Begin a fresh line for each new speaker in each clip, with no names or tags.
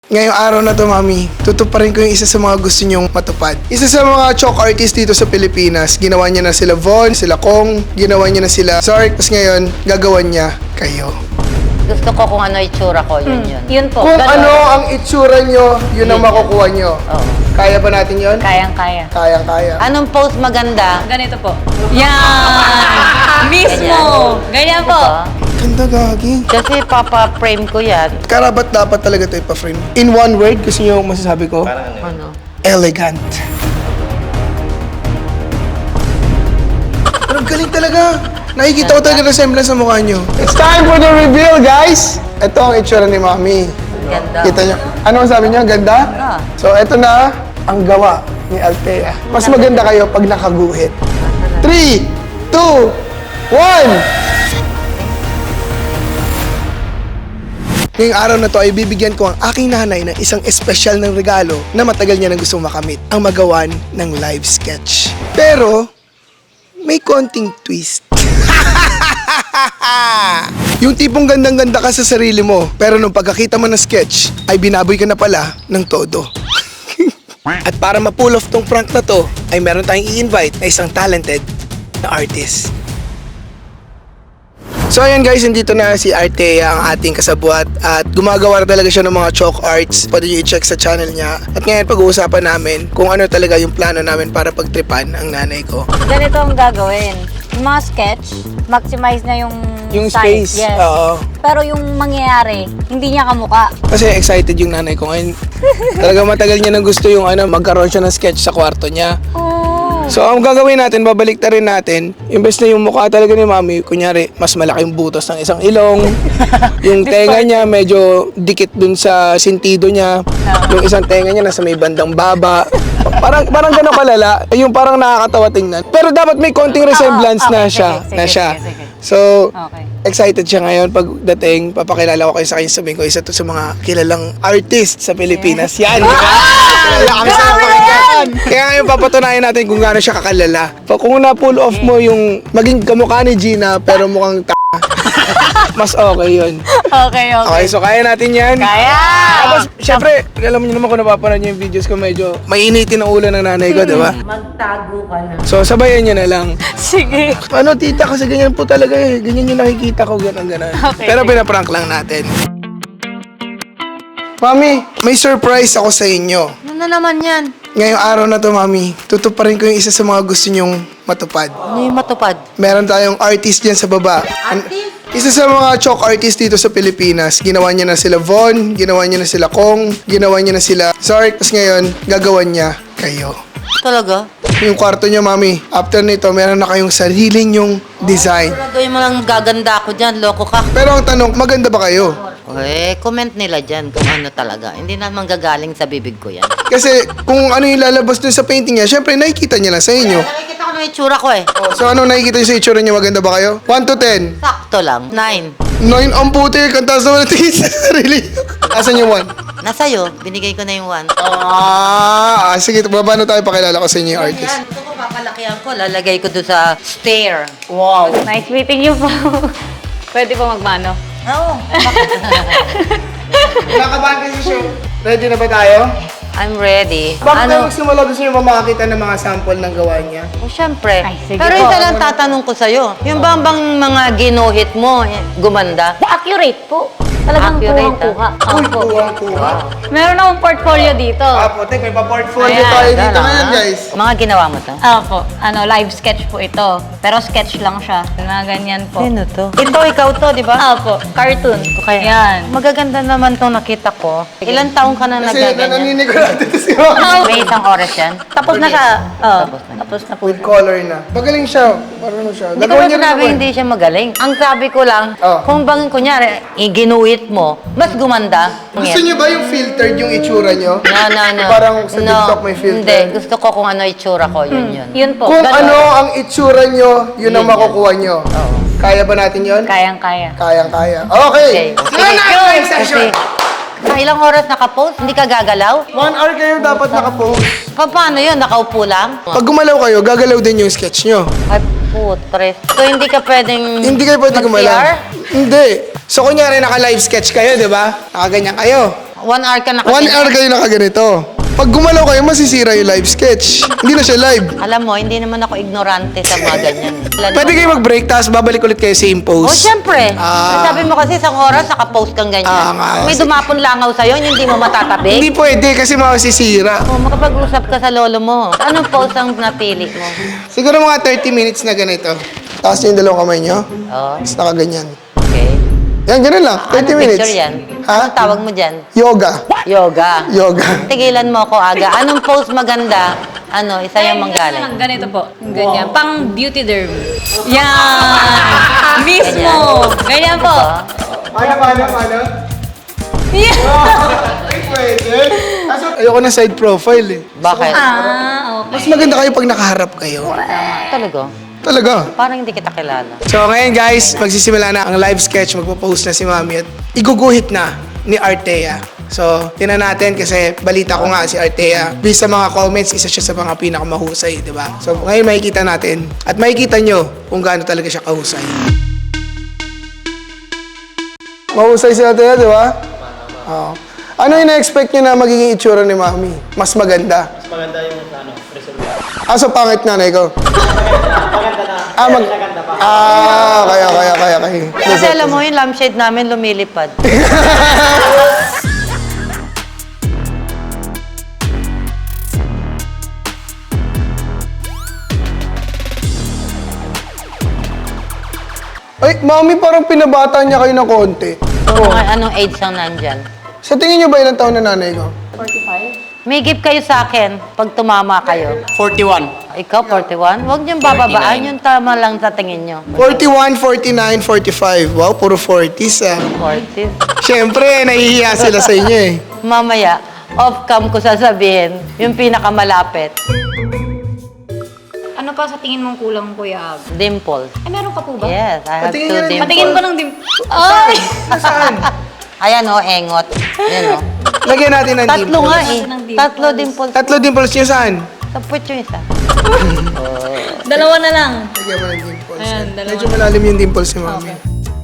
Ngayong araw na to, Mami, tutuparin ko yung isa sa mga gusto nyong matupad. Isa sa mga chalk artist dito sa Pilipinas. Ginawa niya na sila Von, sila Kong, ginawa niya na sila Sark, tapos ngayon, gagawan niya kayo.
Gusto ko kung ano itsura ko, yun.
Yun po.
Kung
Ganon.
ano ang itsura nyo, yun ang makukuha nyo.
Oo.
Kaya ba natin yun?
Kayang-kaya.
Kayang-kaya.
Anong pose maganda?
Ganito po. Yan! Mismo! Ganyan po.
Ganda, gagi.
Kasi papa-frame ko yan.
Karabat dapat talaga ito ipa-frame. In one word, gusto nyo masasabi ko?
Ano?
Elegant. Pero galing talaga. Nakikita ko talaga resemblance sa mukha nyo. It's time for the reveal, guys! Ito ang itsura ni Mami.
Ganda.
Kita nyo. Ano ang sabi nyo? Ganda?
Ah.
So, ito na ang gawa ni Althea. Mas maganda kayo pag nakaguhit. 3, 2, 1! Ngayong araw na to ay bibigyan ko ang aking nanay ng isang espesyal ng regalo na matagal niya nang gustong makamit, ang magawan ng live sketch. Pero, may konting twist. Yung tipong gandang-ganda ka sa sarili mo, pero nung pagkakita mo ng sketch, ay binaboy ka na pala ng todo. At para ma-pull off tong prank na to, ay meron tayong i-invite na isang talented na artist. So ayan guys, nandito na si Althea, ang ating kasabwat, at gumagawa na talaga siya ng mga chalk arts. Pwede nyo i-check sa channel niya. At ngayon pag-uusapan namin kung ano talaga yung plano namin para pagtripan ang nanay ko.
Ganito ang gagawin. Yung mga sketch, maximize na yung
Space.
Yes.
Oo.
Pero yung mangyayari, hindi niya kamuka.
Kasi excited yung nanay ko ngayon. Talaga matagal niya nang gusto yung magkaroon siya ng sketch sa kwarto niya.
Oh.
So ang gagawin natin, babalik na rin natin, imbes na yung mukha talaga ni Mami, kunyari, mas malaki yung butas ng isang ilong, yung tenga niya medyo dikit dun sa sintido niya, yung isang tenga niya nasa may bandang baba. Parang gano'n kalala, yung parang nakakatawa tingnan. Pero dapat may konting resemblance
okay,
na siya.
sige.
So,
Okay.
excited siya ngayon pagdating, papakilala ko kayo sa kanya, sabihin ko, isa to sa mga kilalang artist sa Pilipinas. Yan, di ba? Kilala kami sa mga yan! Kaya ngayon papatunayan natin kung gaano siya kakalala. Kung na-pull off mo yung maging kamukha ni Gina, pero mukhang mas okay yun.
Okay.
Okay, so kaya natin yan.
Kaya!
Tapos, syempre, alam niyo naman kung napapanood niyo yung videos ko, medyo mainitin ang ulo ng nanay ko, di ba?
Magtago ka na.
So, sabayan niyo na lang.
Sige.
Ano, tita, kasi ganyan po talaga eh. Ganyan yung nakikita ko, ganon.
Okay,
Pero pinaprank lang natin. Mami, may surprise ako sa inyo.
Ano na naman yan?
Ngayong araw na to, Mami, tutuparin ko yung isa sa mga gusto nyong matupad.
Ano yung matupad?
Meron tayong artist dyan sa baba.
Artist?
Isa sa mga chalk artist dito sa Pilipinas. Ginawa niya na sila Von, ginawa niya na sila Kong, ginawa niya na sila Sark, tapos ngayon, gagawan niya kayo.
Talaga?
Yung kwarto niyo, Mami, after nito, meron na kayong sarili nyong design.
Gagawin mo lang gaganda ako dyan, loko ka.
Pero ang tanong, maganda ba kayo?
Comment nila dyan kung ano talaga. Hindi naman gagaling sa bibig ko yan.
Kasi kung ano yung lalabas dun sa painting niya, syempre nakikita niya lang sa inyo.
Nakikita ko na yung itsura ko eh.
So ano nakikita niyo sa itsura niya, maganda ba kayo? 1 to 10?
Sakto lang. 9.
9 ang puti, kantaas naman ang tingin sa sarili. Asan yung 1?
Nasa'yo, binigay ko na yung 1.
Sige, babano tayo pakilala ko sa inyo yung artist.
Yan, gusto ko papalakihan ko. Lalagay ko doon sa stair.
Wow. Nice meeting you po. Pwede po magmano.
Oo.
Nakabahan kayo sa show. Ready na ba tayo?
I'm ready.
Bakit tayo magsimula? Gusto niyo ba makakita ng mga sample ng gawa niya?
Oh, syempre.
Ay, sige
Pero
po.
isa lang tatanong ko sa'yo. Yung bang mga ginuhit mo, gumanda?
Accurate po. Talagang
Accurate,
kuha.
Uy, kuha.
Meron akong portfolio dito.
Tek, may pa-portfolio
Ayan,
tayo dito
Gano'n,
ngayon,
ah.
guys.
Mga ginawa mo to?
Opo. Live sketch po ito. Pero sketch lang siya. Na ganyan po.
Sino to? Ikaw to, di ba?
Opo. Cartoon.
Kaya,
Yan.
magaganda naman tong nakita ko. Ilan taong ka na
Kasi
nagaganyan?
nananinig ko natin ito si Mami.
May isang oras yan?
Tapos na siya. Oh,
Tapos na.
tapos na po.
With color na. Magaling siya. Marunong siya.
Hindi ko
Gagawin
ba
niya rin
sinabi
ako eh.
hindi siya magaling? Ang sabi ko lang,
Oh.
kung bang kunyari, ginuhit mo, mas gumanda.
Gusto niyo ba yung filtered yung itsura niyo?
No.
Parang sa TikTok may filter.
Hindi, gusto ko kung ano itsura ko, yun.
Yun po.
Kung
Ganon.
ano ang itsura niyo, yun ang
Yun,
makukuha niyo.
Oo.
Kaya ba natin yun?
Kayang-kaya.
Kayang-kaya. Okay!
Okay.
Sige na! Live session!
Sa ilang oras nakapost, hindi ka gagalaw?
1 hour kayo dapat nakapost.
Paano yun? Nakaupo lang?
Pag gumalaw kayo, gagalaw din yung sketch nyo.
Ay, putres. So, hindi ka pwedeng
Hindi kayo pwede
mag-CR?
gumalaw. Hindi. So, kunyari, naka-live sketch kayo, di ba? Nakaganyan kayo.
1 hour ka
1
nakaganyan.
hour kayo nakaganito. Pag gumalaw kayo, masisira yung live sketch. Hindi na siya live.
Alam mo, hindi naman ako ignorante sa mga ganyan.
Pwede kayo mag-break, tapos babalik ulit kayo same
Oh,
pose.
syempre.
Ah.
Sabi mo kasi isang oras, naka-post kang ganyan.
nga.
May dumapon langaw sa'yo, hindi mo matatabi.
Hindi pwede kasi masisira.
Oh, makapag-usap ka sa lolo mo. Anong post ang napili mo?
Siguro mga 30 minutes na ganito. Tapos yung dalawang kamay nyo,
Oh,
tapos nakaganyan.
okay.
Yan, ganun lang. 30
Anong
minutes.
picture yan?
Ha?
Anong tawag mo dyan?
Yoga.
Yoga.
Yoga.
Tigilan mo ako aga. Anong post maganda? Ano, isa yung manggaling.
Ganito po. Ganyan. Pang beauty derm. Yan. Mismo. Ganyan po.
Paano?
Yeah.
Pwede. Ayoko na side profile eh.
Bakit?
Okay.
Mas maganda kayo pag nakaharap kayo.
Talaga?
Talaga.
Parang hindi kita kilala.
So ngayon guys, magsisimula na ang live sketch. Magpo-post na si Mami at iguguhit na ni Artea. So, tinan natin kasi balita ko nga si Artea. Based sa mga comments, isa siya sa mga pinakamahusay, di ba? So, ngayon makikita natin at makikita nyo kung gaano talaga siya kahusay. Mahusay si Artea, di ba? Oo. Ano yung na-expect nyo na magiging itsura ni Mami? Mas maganda? Mas maganda yung result. So pangit nga na ikaw? Okay.
Kasi alam mo, yung lampshade namin lumilipad.
Ay, Mami, parang pinabata niya kayo ng konti.
Anong age ang nandyan?
Sa tingin niyo ba ilang taon na nanay ko?
May gift kayo sa akin pag tumama kayo.
41.
Ikaw, 41? Huwag niyong bababaan. Yung tama lang sa tingin niyo.
41, 49, 45. Wow, puro 40s ah.
40.
Siyempre, nahihiya sila sa inyo eh.
Mamaya, off-cam ko sasabihin, yung pinakamalapit.
Ano pa sa tingin mong kulang, Kuya Ab?
Dimples.
Ay, meron ka po ba?
Yes, I have
Patingin
two
nga ng
dimples.
Patingin ko ng Ay!
Nasaan?
Ayan o, engot. Ayan o.
Lagyan natin ng
Tatlo
dimples.
nga eh.
Ng dimples.
Tatlo dimples.
Tatlo dimples niyo saan?
Sa puwet yung isa.
Dalawa na lang.
Lagyan mo ng dimples.
Ayan, dalawa.
Medyo malalim yung dimples ni Mami.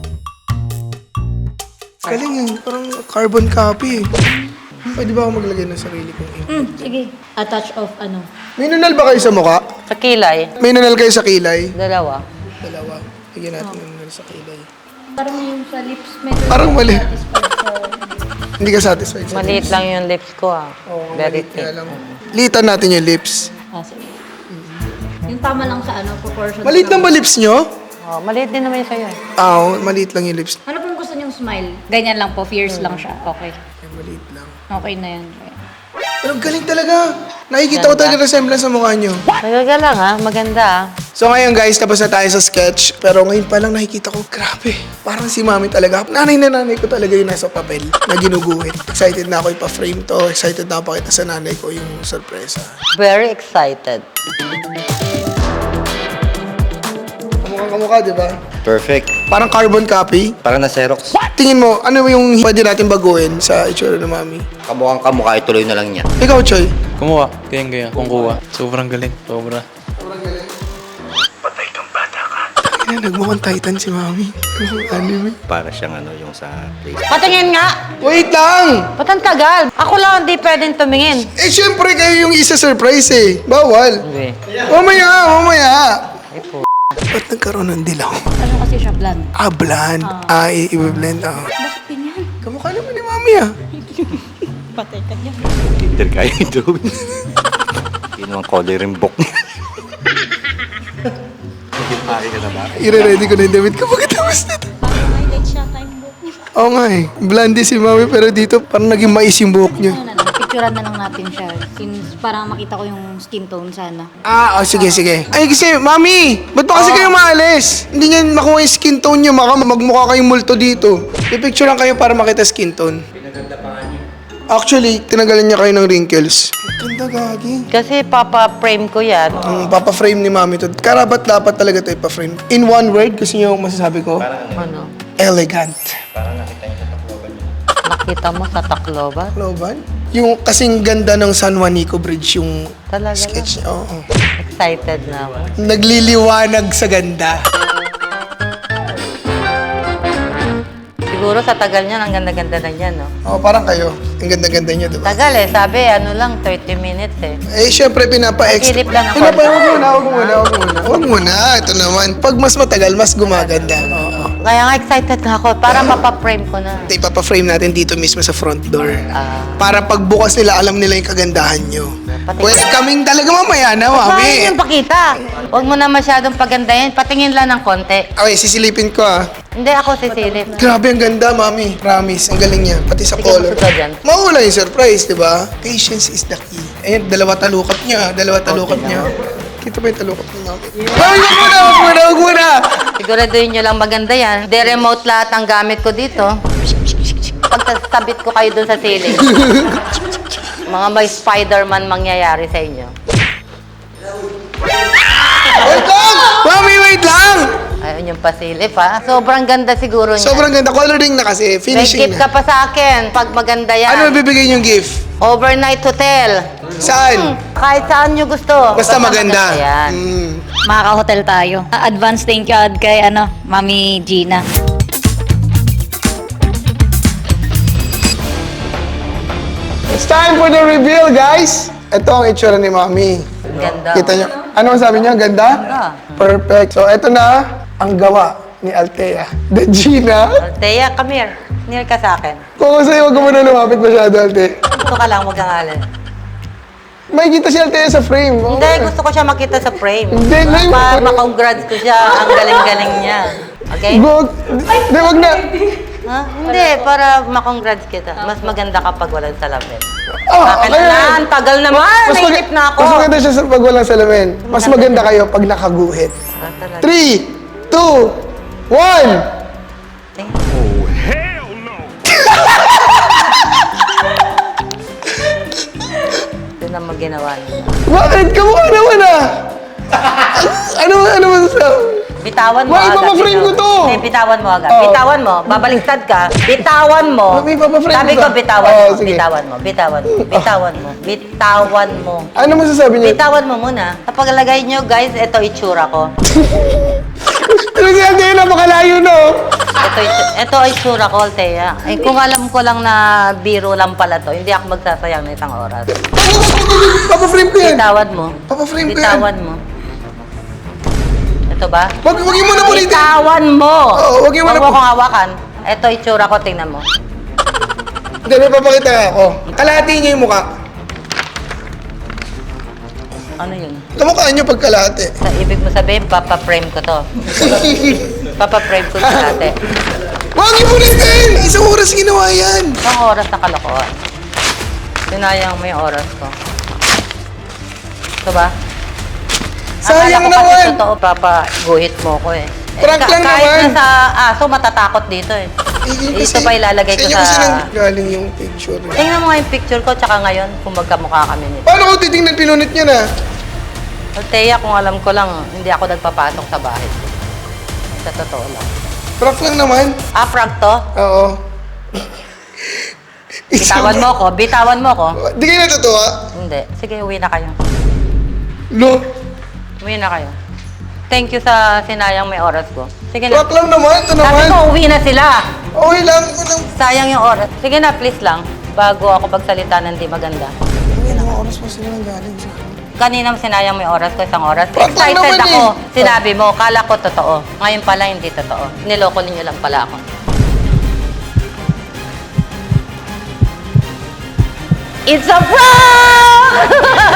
Galing yun, parang carbon copy eh. Pwede ba ako maglagay ng sarili kong ink?
Sige. A touch of ano?
May nunal ba kayo sa mukha?
Sa kilay,
May nunal kayo sa kilay?
dalawa.
Dalawa. Lagyan natin ng nunal sa kilay.
Parang yung sa lips, medyo
Parang mali.
satisfied sa...
Hindi ka satisfied sa
Maliit lang yung lips ko ah.
Oo,
Very
maliit nga
thin.
lang. Litan natin yung lips.
Ah, sige. Yung tama lang sa ano, proportion.
Maliit lang ba lips nyo?
Oh, maliit din naman yung sa'yo eh.
Oo, maliit lang yung lips.
Ano pong gusto niyong smile? Ganyan lang po, fierce lang siya. Okay.
Ay, maliit lang.
Okay na yan.
Pero galing talaga. Nakikita ko talaga resemblance sa mukha nyo.
Talaga lang ah, maganda ah.
So ngayon guys, tapos na tayo sa sketch. Pero ngayon pa lang nakikita ko, grabe. Parang si Mami talaga. Nanay na nanay ko talaga yung nasa papel na ginuguhit. Excited na ako ipa-frame to. Excited na ako pakita sa nanay ko yung sorpresa.
Very excited.
Kamukha, di ba?
Perfect.
Parang carbon copy.
Parang na Xerox.
Tingin mo, ano yung pwede natin baguhin sa itsura ng Mami?
Kamukhang kamukha, ituloy na lang niya.
Ikaw, Choy.
Kumuha. Ganyan. Kung kuha. Sobrang galing. Sobra.
Ay, nagmukhang Titan si Mami. Mukhang anime.
Para siyang ano yung sa place.
Patingin nga!
Wait lang!
Ba't ang tagal? Ako lang hindi pwedeng tumingin.
Eh, syempre kayo yung isa-surprise eh. Bawal.
Hindi.
Mamaya.
Ay po.
Ba't nagkaroon ng dilaw?
Ano kasi siya, bland?
Bland. I-blend.
Bakit ganyan?
Kamukha naman ni Mami ah.
Patay ka niya.
Tinder kayo ito. Yun ang coloring book niya. Naging ka na ba?
I-ready ko na yung damit ko pagkatapos nito.
Parang highlight siya time book.
Oo nga eh. Blondie si Mami pero dito parang naging mais yung buhok niya.
Ano na lang, picturean na lang natin siya. Since parang makita ko yung skin tone sana.
Sige. Ay kasi, Mami! Ba't ba kasi kayo maalis? Hindi niya makuha yung skin tone niyo. Magmukha kayong multo dito. I-picture lang kayo para makita skin tone. Pinaganda pa nga niyo. Actually, tinanggalan niya kayo ng wrinkles. Ganda gagi.
Kasi papa-frame ko yan.
Papa-frame ni Mami to. Karapat dapat talaga ito ipa-frame. In one word, gusto niyo masasabi ko?
Ano?
Elegant.
Nakita mo sa Tacloban?
Loban? Yung kasing ganda ng San Juanico Bridge yung
Talaga
sketch niya. Oo.
Excited na ako.
Nagliliwanag sa ganda.
Siguro sa tagal niyan, ang ganda-ganda na niyan, no?
Oh, parang kayo. Ang ganda-ganda nyo, di ba?
Tagal eh, sabi, ano lang, 30 silip eh.
Eh, syempre, pinapa-extra.
Silip lang ako.
Huwag muna. Ito naman. Pag mas matagal, mas gumaganda. Oo.
Kaya nga excited nga ako, para mapapa-frame ko na.
Ipapa-frame natin dito mismo sa front door.
Ah.
Para pagbukas nila, alam nila yung kagandahan nyo.
Pati-
Welcoming talaga mamaya na,
Kaya
mami.
yung pakita. Huwag mo na masyadong pagandahin, patingin lang ng konti.
Okay, sisilipin ko ah.
Hindi ako sisilip.
Grabe, ang ganda, mami. Promise, ang galing niya. Pati sa
Sige,
color.
gusto ko dyan.
Mawala yung surprise, di ba? Patience is the key. Ayan, dalawa talukat niya. Kita ba yung talukat niya, mami? Mami, wag muna!
Siguraduhin nyo lang maganda yan. De-remote lahat ang gamit ko dito. Pagtasabit ko kayo dun sa ceiling. Mga may Spider-Man mangyayari sa inyo.
Wait lang! Mami, wait lang!
Ayun yung pasilip ha. Sobrang ganda siguro niya.
Sobrang ganda. Coloring na kasi.
May
Finishing
gift
na.
ka pa sa akin pag maganda yan.
Ano bibigay yung gift?
Overnight hotel.
Saan?
Kahit saan nyo gusto.
Basta maganda.
Yan.
Makaka-hotel tayo. Advance thank you kay Mami Gina.
It's time for the reveal, guys! Ito ang itsura ni Mami.
Ganda.
Kita nyo. Ano ang sabi niya? Ganda? Perfect. So, ito na ang gawa ni Althea. The Gina.
Althea, come here. Near ka sa akin.
Kung sa'yo, huwag ka muna lumapit masyado, Althea.
Gusto ka lang, huwag kang alin.
May kita si Althea sa frame. Oh.
Hindi, gusto ko siya makita sa frame.
Hindi, ngayon.
Para makongrats ko siya. Ang galing-galing niya. Okay?
Hindi, wag na.
Ha? Hindi, para makongrats kita. Mas maganda kapag walang salamin.
Okay.
Bakit na? Ang tagal naman. Nainip na ako.
Mas maganda siya pag walang salamin. Mas maganda kayo pag nakaguhit.
Ah, talaga.
3, 2, 1.
Ito naman ginawa niya.
Bakit? Kamukha naman ah. Ano masasabi?
Bitawan mo
Why,
agad.
papaframe ko to?
Hindi, bitawan mo agad.
Oh.
Bitawan mo. Babaliktad ka. Bitawan mo.
Mami, papaframe
Sabi
ko
ko,
to.
bitawan
Oh,
mo.
sige.
Bitawan mo. Bitawan mo. Bitawan mo. Bitawan mo.
Ano masasabi niyo?
Bitawan mo muna. Kapag lagay nyo, guys, ito itsura ko.
Ano si Althea? Napakalayo no?
Ito ay itsura ko, Althea. Eh, kung alam ko lang na biro lang pala to, hindi ako magsasayang ng isang oras.
Papaframe ko yan.
Bitawan mo.
Papaframe ko yan.
Bitawan mo. Ito ba?
Wag mo na ulitin.
Bitawan mo!
Oo, wag mo na
Huwag mo kong hawakan. Ito itsura ko, tingnan mo.
Hindi, may papakita ako. Kalahati niyo yung mukha.
Ano yun?
Kamukha niyo pag kalahati.
Sa ibig mo sabihin, papa-frame ko to. Papa-frame ko sa ate.
Wag niyo ulitin! Isang oras ginawa yan.
Isang oras na kalokohan. Sinayang mo yung oras ko. Ito ba?
Sayang
Akala ko kasi
naman.
totoo, papaguhit mo ko eh.
Prank lang
kahit
naman.
na sa aso, matatakot dito eh. Ito pa ilalagay ko
Sa inyo kasi
sa...
nang galing yung picture.
Tingnan mo nga yung picture ko, tsaka ngayon, kung magkamukha kami nito.
Paano ko titingnan pinunit niya na?
Althea, kung alam ko lang, hindi ako nagpapasok sa bahay. Sa totoo lang.
Prank lang naman.
Ah, prank to?
Oo.
Bitawan mo ko, bitawan mo ko.
Di kayo natutuwa?
Hindi. Sige, uwi na kayo.
No.
Uwi na kayo. Thank you sa sinayang may oras ko. Sige na.
Prank lang naman. Ito
Sabi
naman.
ko, uwi na sila.
Okay lang. Walang...
Sayang yung oras. Sige na, please lang. Bago ako pagsalita ng di maganda.
Ilang oras pa sila nang galing sa...
Kanina sinayang may oras ko, isang oras.
Prank lang
Excited
naman
ako.
eh.
Sinabi mo, kala ko totoo. Ngayon pala, hindi totoo. Niloko ninyo lang pala ako. It's a prank!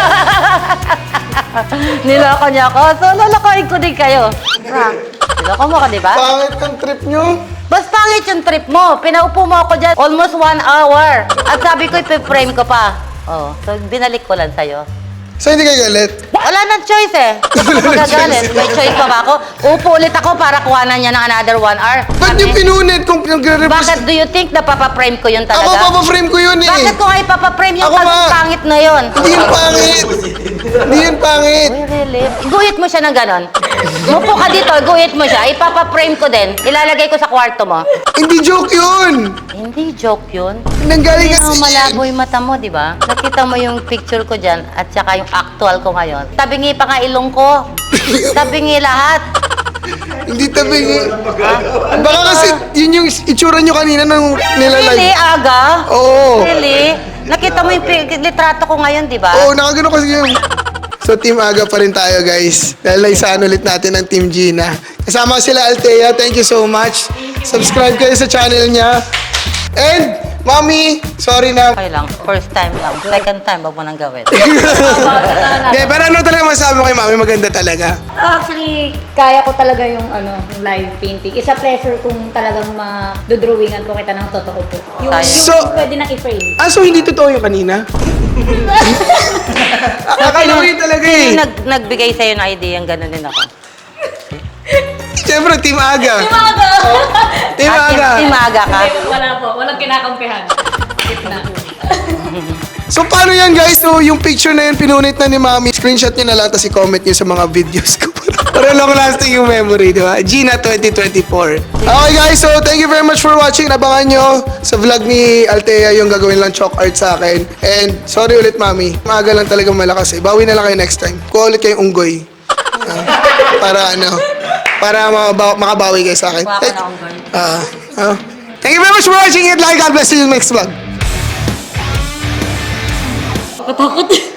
Niloko niya ako. So, lolokohin ko din kayo. Prank. Niloko mo ka, di ba?
Pangit ang trip nyo.
Mas pangit yung trip mo. Pinaupo mo ako dyan almost 1 hour. At sabi ko, ipiprame ko pa. Oh, so binalik ko lang sa'yo.
So hindi kayo galit?
Wala nang choice eh. Hindi ako magagalit. May choice pa ba ako? Upo ulit ako para kuhanan niya ng another 1 hour.
Ba't yung pinunit kung nagre-represent?
Bakit do you think na papaprame ko yun
Ako
talaga?
papaframe ko yun eh.
Bakit ko nga ipapaprame yung
Ako nga.
pangit na yun?
Hindi yun pangit. Hindi yun pangit.
Uy, really? Guhit mo siya ng ganon. Mupo ka dito, guhit mo siya. Ipapaprame ko din. Ilalagay ko sa kwarto mo.
Hindi joke yun.
Hindi joke yun.
Nanggaling
Hindi
kasi
mo malabo yung mata mo, di ba? Nakita mo yung picture ko dyan at saka yung actual ko ngayon. Tabingi pa nga ilong ko. Tabingi lahat.
Hindi tabingi. Baka kasi yun yung itsura nyo kanina nung
Really?
nilalive.
Aga?
Oo.
Really? Nakita mo yung litrato ko ngayon, di ba?
Oo, nakagano kasi yun. So, Team Aga pa rin tayo, guys. Dahil naisaan ulit natin ang Team Gina. Kasama sila Althea. Thank you so much. Subscribe kayo sa channel niya. And, Mami, sorry na.
Okay lang. First time lang. Second time, wag mo nang gawin.
Hindi, pero ano talaga masabi mo kay Mami? Maganda talaga.
Actually, kaya ko talaga yung yung live painting. Isa pleasure kung talagang madodrawingan ko kita ng totoo po. Yung
So-
pwede nang i-frame.
Ah, so hindi totoo yung kanina? Akala ko yun talaga eh.
Sino nagbigay sa'yo ng idea yung gano'n din ako?
Siyempre, Team Aga. Team
Ah,
Aga.
Team Aga ka?
Wala po, walang kinakampihan. Gitna.
So, paano yan, guys? So, yung picture na yun, pinunit na ni Mami. Screenshot nyo na lang, tapos i-comment nyo sa mga videos ko. Para long lasting yung memory, di ba? Gina 2024. Okay, guys. So, thank you very much for watching. Abangan nyo sa vlog ni Althea yung gagawin lang chalk art sa akin. And, sorry ulit, Mami. Maaga lang talagang malakas eh. Bawi na lang kayo next time. Kuha ulit kayong unggoy. Para makabawi kayo sa akin.
Kuha ka na unggoy.
Thank you very much for watching it. Like, God bless you in the next vlog.
Katakot.